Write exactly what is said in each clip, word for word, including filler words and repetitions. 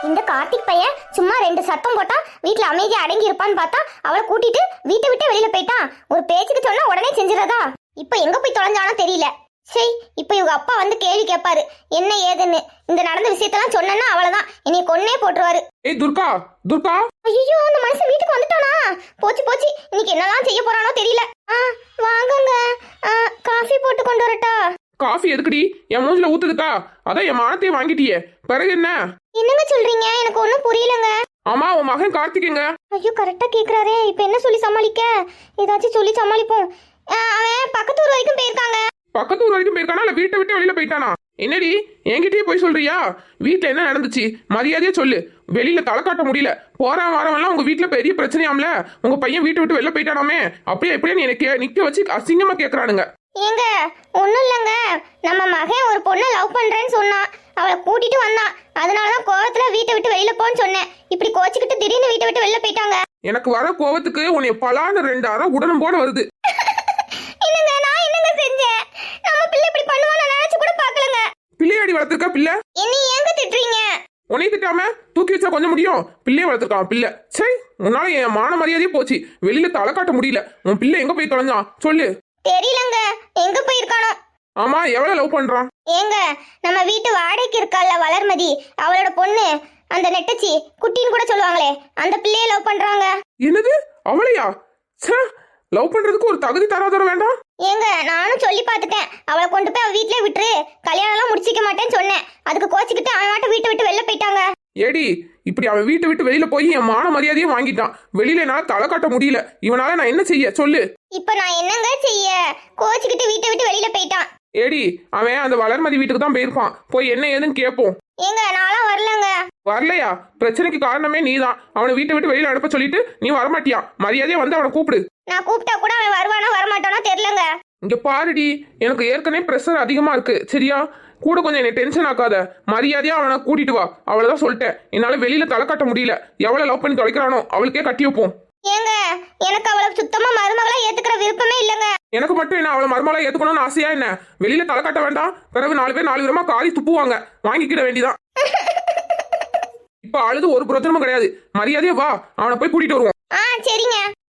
இந்த கார்த்திக் பையன் சும்மா ரெண்டு சத்தம் போட்டா வீட்டுல அமைதியா அடங்கி இருப்பான்னு பார்த்தா அவளை கூட்டிட்டு வீட்டை விட்டு வெளியில போயிட்டான். ஒரு பேச்சுக்கு சொன்னா உடனே செஞ்சிடறதா. இப்ப எங்க போய் தொலைஞ்சானோ தெரியல. சரி, இப்ப இவங்க அப்பா வந்து கேள்வி கேட்பாரு என்ன ஏதுன்னு. இந்த நடந்த விஷயத்தெல்லாம் சொன்னா அவ்வளவுதான், என்னைய கொன்னே போட்டுருவாரு. ஏய் துர்கா, துர்கா. ஐயோ, அந்த மனுஷன் வீட்டுக்கு வந்துட்டானா? போச்சு போச்சு, இன்னைக்கு என்னெல்லாம் செய்ய போறானோ தெரியல. ஆ வாங்குங்க, காஃபி போட்டு கொண்டு வரட்டா? காஃபி எதுக்குடி? என் மூஞ்சில ஊத்துதுக்கா? அதான் என் மானத்தையே வாங்கிட்டியே, பிறகு என்ன? என்னங்க சொல்றீங்க? எனக்கு ஒண்ணும் புரியலங்க. ஆமா, உன் மகன் கார்த்திகேங்க. ஐயோ, கரெக்டா கேக்குறாரே. இப்ப என்ன சொல்லி சமாளிக்க? ஏதாச்சும் சொல்லி சமாளிப்போம். அவன் பக்கத்து ஊர் வரைக்கும் போயிருக்காங்க. பக்கத்து ஊர் வரைக்கும் போயிருக்கானா இல்ல வீட்டை விட்டு வெளியில போயிட்டானா? என்னடி என்கிட்டயே போய் சொல்றியா? வீட்டுல என்ன நடந்துச்சு மரியாதையா சொல்லு. வெளியில தலை காட்ட முடியல. போற வாரவெல்லாம் உங்க வீட்டுல பெரிய பிரச்சனையாம்ல. உங்க பையன் வீட்டை விட்டு வெளில போயிட்டானாமே. அப்படியே எப்படியே எனக்கு நிக்க வச்சு அசிங்கமா கேக்குறானுங்க. ஏங்க ஒண்ணும் இல்லங்க, நம்ம மகன் ஒரு பொண்ணை லவ் பண்றேன்னு சொன்னான். அவளை கூட்டிட்டு வந்தான். அதனாலதான் கோவத்துல வீட்டை விட்டு வெளியில போன்னு சொன்னேன். இப்படி கோச்சிக்கிட்டு திடீர்னு வீட்டை விட்டு வெளில போயிட்டாங்க. எனக்கு வர கோவத்துக்கு உன்னை பலான ரெண்டு அறம் உடனும் போட வருது. என்னங்க நான் என்னங்க செஞ்சேன்? நம்ம பிள்ளை இப்படி பண்ணுவான்னு நினைச்சு கூட பார்க்கலங்க. பிள்ளையாடி வளர்த்திருக்கா பிள்ளை. என்ன ஏங்க திட்டுறீங்க? உன்னை திட்டாம தூக்கி வச்சா கொஞ்சம் முடியும். பிள்ளைய வளர்த்திருக்கான் பிள்ளை. சரி, உன்னால என் மான மரியாதையே போச்சு. வெளியில தலை காட்ட முடியல. உன் பிள்ளை எங்க போய் தொலைஞ்சான் சொல்லு. தெரியலங்க, எங்க போயிருக்கானோ. ஆமா, எவ்வளவு லவ் பண்றான்? ஏங்க நம்ம வீட்டு வாடகைக்கு இருக்கால வளர்மதி, அவளோட பொண்ணு, அந்த நெட்டச்சி குட்டின்னு கூட சொல்லுவாங்களே, அந்த பிள்ளைய லவ் பண்றாங்க. என்னது? அவளையா? லவ் பண்றதுக்கு ஒரு தகுதி தராதர வேண்டாம்? ஏங்க நானும் சொல்லி பார்த்துட்டேன். அவளை கொண்டு போய் அவ வீட்லயே விட்டுரு, கல்யாணம் எல்லாம் முடிச்சிக்க மாட்டேன்னு சொன்னேன். அதுக்கு கோச்சிக்கிட்டு அவன் மட்டும் வீட்டை விட்டு வெளில போயிட்டாங்க. ஏடி, இப்படி அவன் வீட்டை விட்டு வெளியில போய் என் மான மரியாதையும் வாங்கிட்டான். வெளியில என்னால தலை காட்ட முடியல. இவனால நான் என்ன செய்ய சொல்லு. இப்ப நான் என்னங்க செய்ய? கோச்சிக்கிட்டு வீட்டை விட்டு வெளியில போயிட்டான். ஏடி, அவன் அந்த வளர்மதி வீட்டுக்கு தான் போயிருப்பான். போய் என்ன ஏதுன்னு கேட்போம். ஏங்க நான்லாம் வரலங்க. வரலையா? பிரச்சனைக்கு காரணமே நீதான். அவனை வீட்டை விட்டு வெளியில அனுப்ப சொல்லிட்டு நீ வரமாட்டியா? மரியாதையா வந்து அவனை கூப்பிடு. நான் கூப்பிட்டா கூட அவன் வருவானா வரமாட்டானோ தெரியலங்க. இங்க பாருடி, எனக்கு ஏற்கனவே பிரஷர் அதிகமா இருக்கு. சரியா? கூட கொஞ்சம் என்ன டென்ஷன் ஆக்காத. மரியாதையா அவனை கூட்டிட்டு வா. அவ்வளவுதான் சொல்லிட்டேன். என்னால வெளியில தலை காட்ட முடியல. எவ்வளவு லவ் பண்ணி தொலைக்கிறானோ அவளுக்கே கட்டி வைப்போம். ஏங்க எனக்கு அவளை சுத்தமா மருமகளா ஏத்துக்கிற விருப்பமே இல்லங்க. எனக்கு மட்டும் என்ன அவளை மருமகளா ஏத்துக்கணும்னு ஆசையா என்ன? வெளியில தலை காட்ட வேண்டாம். பிறகு நாலு பேர் நாலு விதமா காலி துப்புவாங்க. வாங்கிக்கிட வேண்டிதான். இப்ப அழுது ஒரு பிரச்சனமும் கிடையாது. மரியாதையா வா, அவனை போய் கூட்டிட்டு வருவோம். ஆ சரிங்க.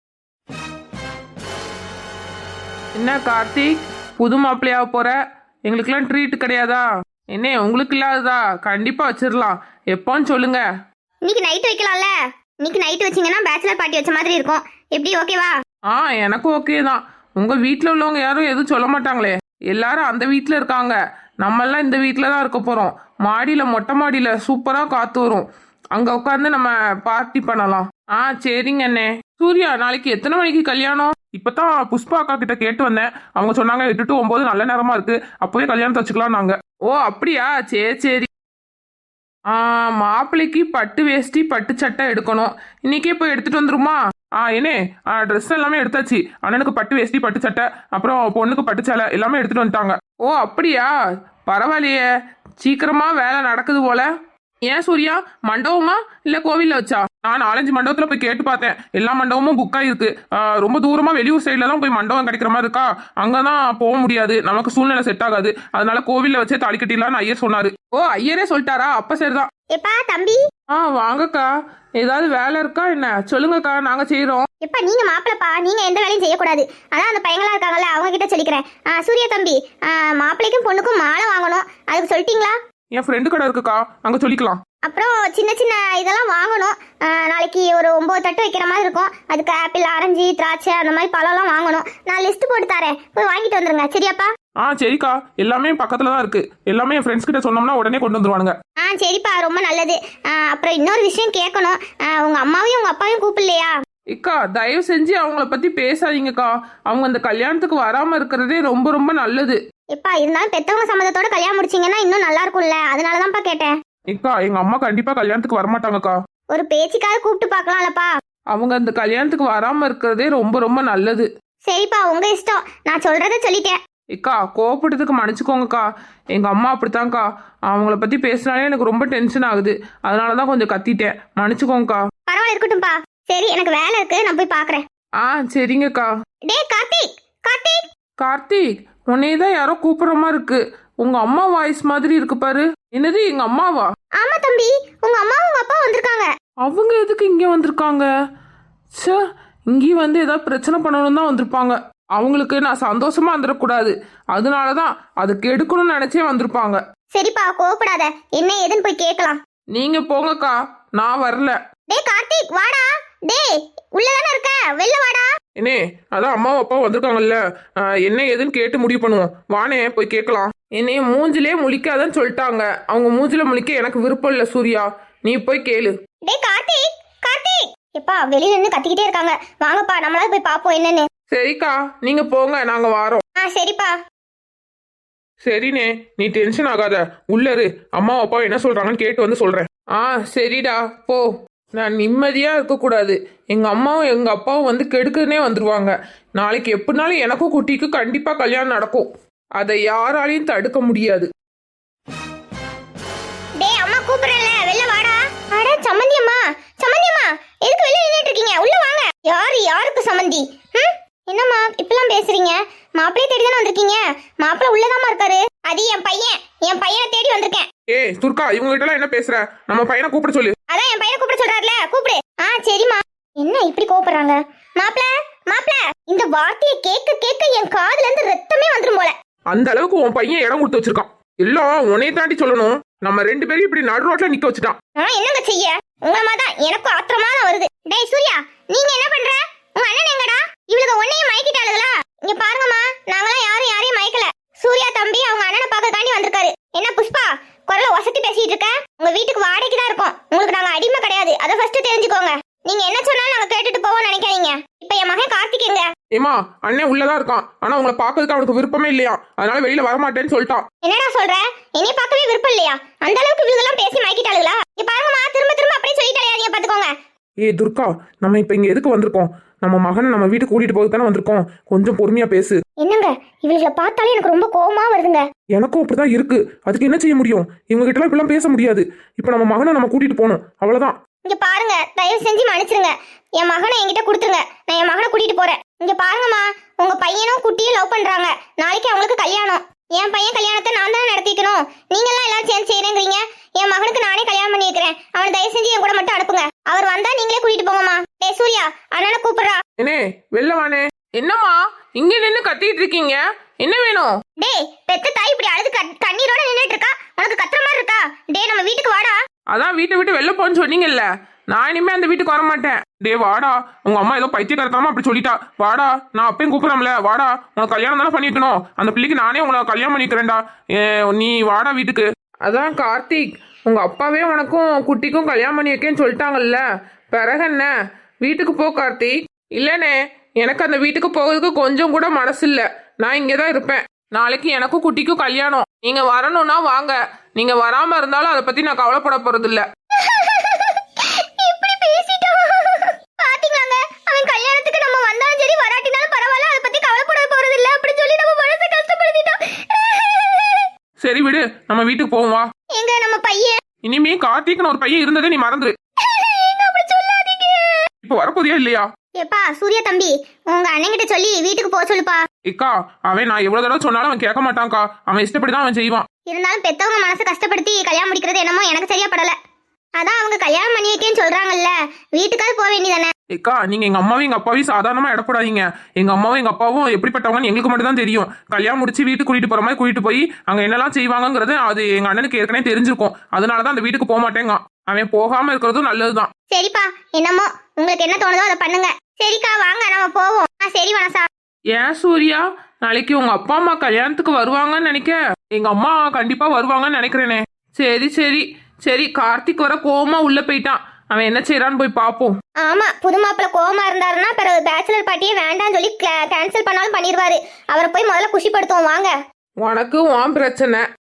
என்ன கார்த்திக், புது மாப்பிள்ளையா போற? எங்களுக்கெல்லாம் ட்ரீட் கிடையாதா? என்ன உங்களுக்கு இல்லாததா? கண்டிப்பா வச்சிடலாம். எப்போன்னு சொல்லுங்க. இன்னைக்கு நைட் வைக்கலாம்ல? இன்னைக்கு நைட் வச்சீங்கன்னா பேச்சுலர் பார்ட்டி வச்ச மாதிரி இருக்கும். எப்படி ஓகேவா? ஆ எனக்கு ஓகே தான். உங்க வீட்டில் உள்ளவங்க யாரும் எதுவும் சொல்ல மாட்டாங்களே. எல்லாரும் அந்த வீட்டில் இருக்காங்க. நம்மெல்லாம் இந்த வீட்டில் தான் இருக்க போறோம். மாடியில், மொட்டை மாடியில் சூப்பராக காத்து வரும். அங்க உட்காந்து நம்ம பார்ட்டி பண்ணலாம். ஆ சரிங்க அண்ணே. சூர்யா, நாளைக்கு எத்தனை மணிக்கு கல்யாணம்? இப்பதான் புஷ்பா அக்கா கிட்ட கேட்டு வந்தேன். அவங்க சொன்னாங்க எட்டு டு ஒன்பது நல்ல நேரமா இருக்கு, அப்பவே கல்யாணத்தை வச்சுக்கலாம் நாங்க. ஓ அப்படியா? சரி சரி. ஆ மாப்பிள்ளைக்கு பட்டு வேஷ்டி பட்டு சட்டை எடுக்கணும். இன்னைக்கே போய் எடுத்துட்டு வந்துருமா? ஆ என்னே, ட்ரெஸ் எல்லாமே எடுத்தாச்சு. அண்ணனுக்கு பட்டு வேஷ்டி பட்டு சட்டை, அப்புறம் பொண்ணுக்கு பட்டு சேலை எல்லாமே எடுத்துட்டு வந்துட்டாங்க. ஓ அப்படியா? பரவாயில்லையே, சீக்கிரமா வேலை நடக்குது போல. ஏன் சூர்யா, மண்டபமா இல்ல கோவில்ல வச்சா? நான் நாலஞ்சு மண்டபத்துல போய் கேட்டு பார்த்தேன். எல்லா மண்டபமும் புக் ஆயிருக்கு. ரொம்ப தூரமா வெளியூர் சைட்ல தான் போய் மண்டபம் கிடைக்கிற மாதிரி இருக்கா. அங்கதான் போக முடியாது, நமக்கு சூழ்நிலை செட் ஆகாது. அதனால கோவில்ல வச்சே தாலி கட்டிடலாம்னு ஐயர் சொன்னாரு. ஓ ஐயரே சொல்லிட்டாரா? அப்ப சரிதான். எப்பா தம்பி. ஆ வாங்கக்கா. ஏதாவது வேலை இருக்கா என்ன? சொல்லுங்கக்கா, நாங்க செய்யறோம். எப்பா நீங்க மாப்பிளப்பா, நீங்க எந்த வேலையும் செய்யக்கூடாது. அதான் அந்த பையங்களா இருக்காங்கல்ல, அவங்க கிட்ட சொல்லிக்கிறேன். சூர்யா தம்பி, மாப்பிள்ளைக்கும் பொண்ணுக்கும் மாலை வாங்கணும். அதுக்கு சொல்லிட்டீங்களா? என் ஃப்ரெண்டு கடை இருக்குக்கா, அங்க சொல்லிக்கலாம். அப்புறம் சின்ன சின்ன இதெல்லாம் வாங்கணும். நாளைக்கு ஒரு ஒன்பது தட்டு வைக்கிற மாதிரி இருக்கும். அதுக்கு ஆப்பிள், ஆரஞ்சு, திராட்சை அந்த மாதிரி பழம்லாம் வாங்கணும். நான் லிஸ்ட் போட்டு தரேன், போய் வாங்கிட்டு வந்துருங்க. சரியாப்பா? ஆ சரிக்கா, எல்லாமே பக்கத்துல தான் இருக்கு. எல்லாமே என் ஃப்ரெண்ட்ஸ் கிட்ட சொன்னோம்னா உடனே கொண்டு வந்துருவானுங்க. ஆ சரிப்பா, ரொம்ப நல்லது. அப்புறம் இன்னொரு விஷயம் கேட்கணும். உங்க அம்மாவையும் உங்க அப்பாவையும் கூப்பிடலையா? இக்கா தயவு செஞ்சு அவங்கள பத்தி பேசாதீங்கக்கா. அவங்க அந்த கல்யாணத்துக்கு வராம இருக்கிறதே ரொம்ப ரொம்ப நல்லது. எப்பா இருந்தாலும் பெத்தவங்க சம்மதத்தோட கல்யாணம் முடிச்சீங்கன்னா இன்னும் நல்லா இருக்கும்ல, அதனாலதான்ப்பா கேட்டேன். இக்கா எங்க அம்மா கண்டிப்பா கல்யாணத்துக்கு வரமாட்டாங்கக்கா. ஒரு பேச்சுக்காக கூப்பிட்டு பார்க்கலாம்லப்பா. அவங்க அந்த கல்யாணத்துக்கு வராம இருக்கிறதே ரொம்ப ரொம்ப நல்லது. சரிப்பா, உங்க இஷ்டம். நான் சொல்றத சொல்லிட்டேன். இக்கா கோவப்பட்டதுக்கு மன்னிச்சுக்கோங்கக்கா. எங்க அம்மா அப்படித்தான்க்கா. அவங்கள பத்தி பேசினாலே எனக்கு ரொம்ப டென்ஷன் ஆகுது. அதனாலதான் கொஞ்சம் கத்திட்டேன். மன்னிச்சுக்கோங்கக்கா. பரவாயில்ல, இருக்கட்டும்பா. சரி, எனக்கு வேலை இருக்கு, நான் போய் பாக்குறேன். ஆ சரிங்கக்கா. டே கார்த்திக், கார்த்திக். கார்த்திக், உன்னையதான் யாரோ கூப்பிடுற மாதிரி இருக்கு. உங்க அம்மா வாய்ஸ் மாதிரி இருக்கு பாரு. என்னது எங்க அம்மாவா? ஆமா தம்பி, உங்க அம்மா உங்க அப்பா வந்திருக்காங்க. அவங்க எதுக்கு இங்க வந்திருக்காங்க? ச்சே, இங்கேயும் வந்து ஏதாவது பிரச்சனை பண்ணணும் தான் வந்திருப்பாங்க. அவங்களுக்கு நான் சந்தோஷமா வந்துடக்கூடாது, அதனாலதான் அதை கெடுக்கணும்னு நினைச்சே வந்திருப்பாங்க. சரிப்பா, கோவப்படாத, என்ன ஏதுன்னு போய் கேட்கலாம். நீங்க போங்கக்கா, நான் வரல. டேய் கார்த்திக், வாடா. டேய், உள்ளதானே இருக்க, வெளில வாடா. என்னே, அதான் அம்மாவும் அப்பாவும் வந்திருக்காங்கல்ல, ஆஹ், என்ன ஏதுன்னு கேட்டு முடிவு பண்ணுவோம். வானே போய் கேட்கலாம். என்னைய மூஞ்சிலே முழிக்காதன்னு சொல்லிட்டாங்க. அவங்க மூஞ்சில முழிக்க எனக்கு விருப்பம் இல்லை சூர்யா, நீ போய் கேளு. டேய் கார்த்திக், கார்த்திக். எப்பா வெளியில நின்னு கத்திக்கிட்டே இருக்காங்க, வாங்கப்பா நம்மளால போய் பாப்போம் என்னன்னு. சரிக்கா, நீங்க போங்க, நாங்க வாரோம். ஆ சரிப்பா. சரிண்ணே, நீ டென்ஷன் ஆகாத, உள்ள இரு. அம்மா அப்பா என்ன சொல்றாங்கன்னு கேட்டு வந்து சொல்றேன். ஆ சரிடா, போ. நான் நிம்மதியா இருக்கக்கூடாது. எங்க அம்மாவும் எங்க அப்பாவும் வந்து கெடுக்குன்னே வந்துருவாங்க. நாளைக்கு எப்படினாலும் எனக்கும் குட்டிக்கும் கண்டிப்பா கல்யாணம் நடக்கும். அதை யாராலையும் தடுக்க முடியாது. டேய் அம்மா கூப்பிடுறேன்ல, வெளில வாடா. அட சம்மந்தி அம்மா, சம்மந்தி அம்மா, எதுக்கு வெளில நின்னுட்டு இருக்கீங்க? உள்ள வாங்க. யாரு யாருக்கு சம்மந்தி? ம்? என்னம்மா இப்பெல்லாம் பேசுறீங்க? மாப்பிளைய தேடி தானே வந்திருக்கீங்க. மாப்பிளை உள்ளதாமா இருக்காரு. அது என் பையன், என் பையனை தேடி வந்திருக்கேன். ஏய் துர்கா, இவங்க கிட்ட எல்லாம் என்ன பேசுற? நம்ம பையனை கூப்பிட சொல்லு. அதான் என் பையனை கூப்பிட சொல்றாருல, கூப்பிடு. ஆ சரிம்மா. என்ன இப்படி கோவப்படுறாங்க? மாப்பிள மாப்பிள, இந்த வார்த்தையை கேட்க கேட்க என் காதுல இருந்து ரத்தமே வந்துரும் போல. அந்த அளவுக்கு உன் பையன் இடம் கொடுத்து வச்சிருக்கான். எல்லாம் உன்னைய தாண்டி சொல்லணும். நம்ம ரெண்டு பேரும் இப்படி நடு ரோட்ல நிக்க வச்சுட்டான். நான் என்னங்க செய்ய? உங்களமா தான் எனக்கும் ஆத்திரமா தான் வருது. டேய் சூர்யா, நீங்க என்ன பண்ற? உங்க அண்ணன் எங்கடா? இவளுக்கு ஒன்னையும் மயக்கிட்டாளுங்களா? இங்க பாருங்கம்மா, நாங்களாம் யாரும் யாரையும் மயக்கல. சூர்யா தம்பி அவங்க அண்ணனை பார்க்கறதுக்காண்டி வந்திருக்காரு. என்ன புஷ்பா, குரல ஒசத்தி பேசிட்டு இருக்க? உங்க வீட்டுக்கு வாடகைக்கு தான் இருக்கோம், உங்களுக்கு நாங்க அடிமை கிடையாது. அதை ஃபர்ஸ்ட் தெரிஞ்சுக்கோங்க. நீங்க என்ன சொன்னாலும் நாங்க கேட்டுட்டு போவோம் நினைக்காதீங்க. இப்ப என் மகன் கார்த்திக் எங்க? ஏமா, அண்ணன் உள்ளதான் இருக்கான். ஆனா உங்களை பாக்குறதுக்கு அவனுக்கு விருப்பமே இல்லையா, அதனால வெளியில வரமாட்டேன்னு சொல்லிட்டான். என்னடா சொல்ற? என்னைய பார்க்கவே விருப்பம் இல்லையா? அந்த அளவுக்கு இவங்கெல்லாம் பேசி மயக்கிட்டாளுங்களா? இங்க பாருங்கம்மா, திரும்ப திரும்ப அப்படியே சொல்லிட்டாலே, நீங்க பாத்துக்கோங்க. ஏய் துர்கா, நம்ம இப்ப இங்க எதுக்கு வந்திருக்கோம்? நம்ம மகனை நம்ம வீட்டுக்கு கூட்டிட்டு போக தானே வந்திருக்கோம். கொஞ்சம் பொறுமையா பேசு. என்னங்க, இவங்களை பார்த்தாலே எனக்கு ரொம்ப கோவமா வருதுங்க. எனக்கும் அப்படிதான் இருக்கு. அதுக்கு என்ன செய்ய முடியும்? இவங்க கிட்ட எல்லாம் இப்பெல்லாம் பேச முடியாது. இப்ப நம்ம மகனை நம்ம கூட்டிட்டு போகணும், அவ்வளவுதான். இங்க பாருங்க, தயவு செஞ்சு மன்னிச்சிருங்க. என் மகனை என்கிட்ட கொடுத்துருங்க, நான் என் மகனை கூட்டிட்டு போறேன். இங்க பாருங்கம்மா, உங்க பையனும் குட்டியும் லவ் பண்றாங்க. நாளைக்கு அவங்களுக்கு கல்யாணம். என் பையன் கல்யாணத்தை நான் தானே நடத்திக்கணும். நீங்க எல்லாம் எல்லாரும் சேர்ந்து செய்யறேங்கிறீங்க. என் மகனுக்கு நானே கல்யாணம் பண்ணி வைக்கிறேன். அவனை தயவு செஞ்சு என் கூட மட்டும் அனுப்புங்க. அவர் வந்தா நீங்களே கூட்டிட்டு போங்கம்மா. டேய் சூர்யா, அண்ணனை கூப்பிடுறா. என்னே, வெளில வானே. என்னம்மா இங்க நின்று கத்திட்டு இருக்கீங்க? என்ன வேணும்? டேய், பெத்த தாய் இப்படி அழுது கண்- கண்ணீரோட நின்னுட்டு இருக்கா, உனக்கு கத்துற மாதிரி இருக்கா? டேய் நம்ம வீட்டுக்கு வாடா. அதான் வீட்டை விட்டு வெளில போன்னு சொன்னீங்கல்ல, நான் இனிமே அந்த வீட்டுக்கு வர மாட்டேன். டே வாடா, உங்க அம்மா ஏதோ பைத்தியக்காரத்தனமா அப்படி சொல்லிட்டா. வாடா, நான் அப்பயும் கூப்பிடறோம்ல, வாடா. உனக்கு கல்யாணம் தானே பண்ணி வைக்கணும். அந்த பிள்ளைக்கு நானே உங்களை கல்யாணம் பண்ணிக்கிறேன்டா. நீ வாடா வீட்டுக்கு. அதான் கார்த்திக், உங்க அப்பாவே உனக்கும் குட்டிக்கும் கல்யாணம் பண்ணி வைக்கேன்னு சொல்லிட்டாங்கல்ல, பிறகு என்ன? வீட்டுக்கு போ கார்த்திக். இல்லனே, எனக்கு அந்த வீட்டுக்கு போகிறதுக்கு கொஞ்சம் கூட மனசு இல்ல. நான் இங்கதான் இருப்பேன். நாளைக்கு எனக்கும் குட்டிக்கும் கல்யாணம். நீங்க வரணும்னா வாங்க, நீங்க வராம இருந்தாலும் அதை பத்தி நான் கவலைப்பட போறது இல்ல. இப்படி பேசிட்டான். பாத்தீங்களாங்க, அவன் கல்யாணத்துக்கு நம்ம வந்தாலும் சரி வராட்டினாலும் பரவாயில்ல, அதை பத்தி கவலைப்பட போறது இல்ல அப்படி சொல்லி நம்ம மனசை கஷ்டப்படுத்திட்டான். சரி விடு, நம்ம வீட்டுக்கு போவோம் வா. எங்க நம்ம பையன்? இனிமே கார்த்திக்னு ஒரு பையன் இருந்ததே நீ மறந்துரு. எங்க அப்படி சொல்லாதீங்க. இப்ப வரப்போதியா இல்லையா? ஏப்பா சூர்யா தம்பி, உங்க அண்ணன் கிட்ட சொல்லி வீட்டுக்கு போக சொல்லுப்பா. இக்கா, அவன் நான் எவ்வளவு தடவை சொன்னாலும் அவன் கேட்க மாட்டான்க்கா. அவன் இஷ்டப்படிதான் அவன் செய்வான். இருந்தாலும் பெத்தவங்க மனசை கஷ்டப்படுத்தி கல்யாணம் முடிக்கிறது என்னமோ எனக்கு சரியா படல. அதான் அவங்க கல்யாணம் பண்ணி வைக்கேன்னு சொல்றாங்கல்ல, வீட்டுக்காவது போக வேண்டியதானே. இக்கா, நீங்க எங்க அம்மாவும் எங்க அப்பாவையும் சாதாரணமா இடப்படாதீங்க. எங்க அம்மாவும் எங்க அப்பாவும் எப்படிப்பட்டவங்கன்னு எங்களுக்கு மட்டும் தான் தெரியும். கல்யாணம் முடிச்சு வீட்டுக்கு கூட்டிட்டு போற மாதிரி கூட்டிட்டு போய் அங்க என்னெல்லாம் செய்வாங்கங்கிறது அது எங்க அண்ணனுக்கு ஏற்கனவே தெரிஞ்சிருக்கும். அதனாலதான் அந்த வீட்டுக்கு போக மாட்டேங்க. அவன் போகாம இருக்கிறதும் நல்லதுதான். சரிப்பா, என்னமோ உங்களுக்கு என்ன தோணுதோ அதை பண்ணுங்க. சரிக்கா, வாங்க நம்ம போவோம். ஆ சரி வனசா. ஏன் சூர்யா, நாளைக்கு உங்க அப்பா அம்மா கல்யாணத்துக்கு வருவாங்கன்னு நினைக்க? எங்க அம்மா கண்டிப்பா வருவாங்கன்னு நினைக்கிறேனே. சரி சரி சரி, கார்த்திக் வர கோவமா உள்ள போயிட்டான். அவன் என்ன செய்யறான்னு போய் பாப்போம். ஆமா, புது மாப்பிள்ள கோவமா இருந்தாருன்னா பிறகு பேச்சுலர் பார்ட்டியே வேண்டாம்னு சொல்லி கேன்சல் பண்ணாலும் பண்ணிடுவாரு. அவரை போய் முதல்ல குஷிப்படுத்துவோம் வாங்க. உனக்கு உன் பிரச்சனை,